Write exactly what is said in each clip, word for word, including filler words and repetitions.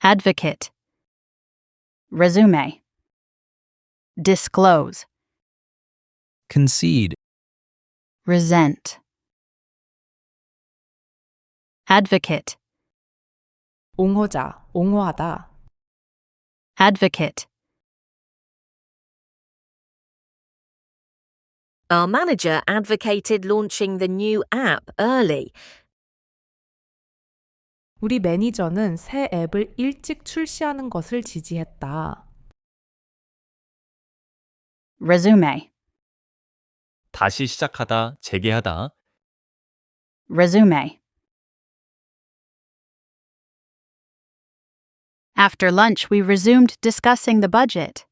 advocate, resume, disclose, concede, resent, advocate, 옹호자, 옹호하다. advocate. Our manager advocated launching the new app early. 우리 매니저는 새 앱을 일찍 출시하는 것을 지지했다. resume, 다시 시작하다, 재개하다. resume. After lunch, we resumed discussing the budget.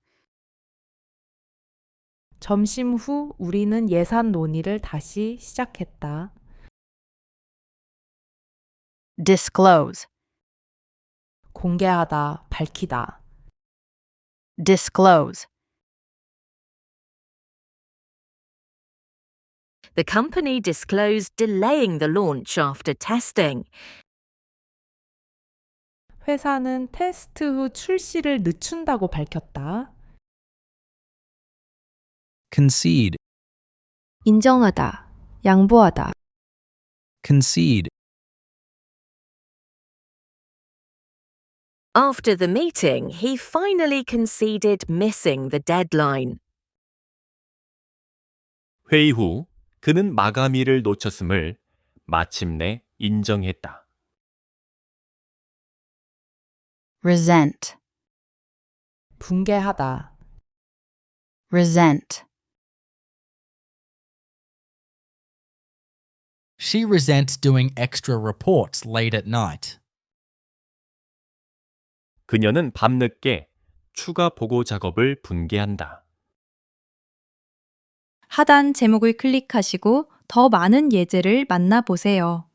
점심 후 우리는 예산 논의를 다시 시작했다. disclose, 공개하다, 밝히다. disclose. The company disclosed delaying the launch after testing. 회사는 테스트 후 출시를 늦춘다고 밝혔다. concede, 인정하다, 양보하다. concede, After the meeting, he finally conceded missing the deadline. 회의 후 그는 마감일을 놓쳤음을 마침내 인정했다. resent, 붕괴하다. resent. She resents doing extra reports late at night. 그녀는 밤늦게 추가 보고 작업을 분개한다. 하단 제목을 클릭하시고 더 많은 예제를 만나보세요.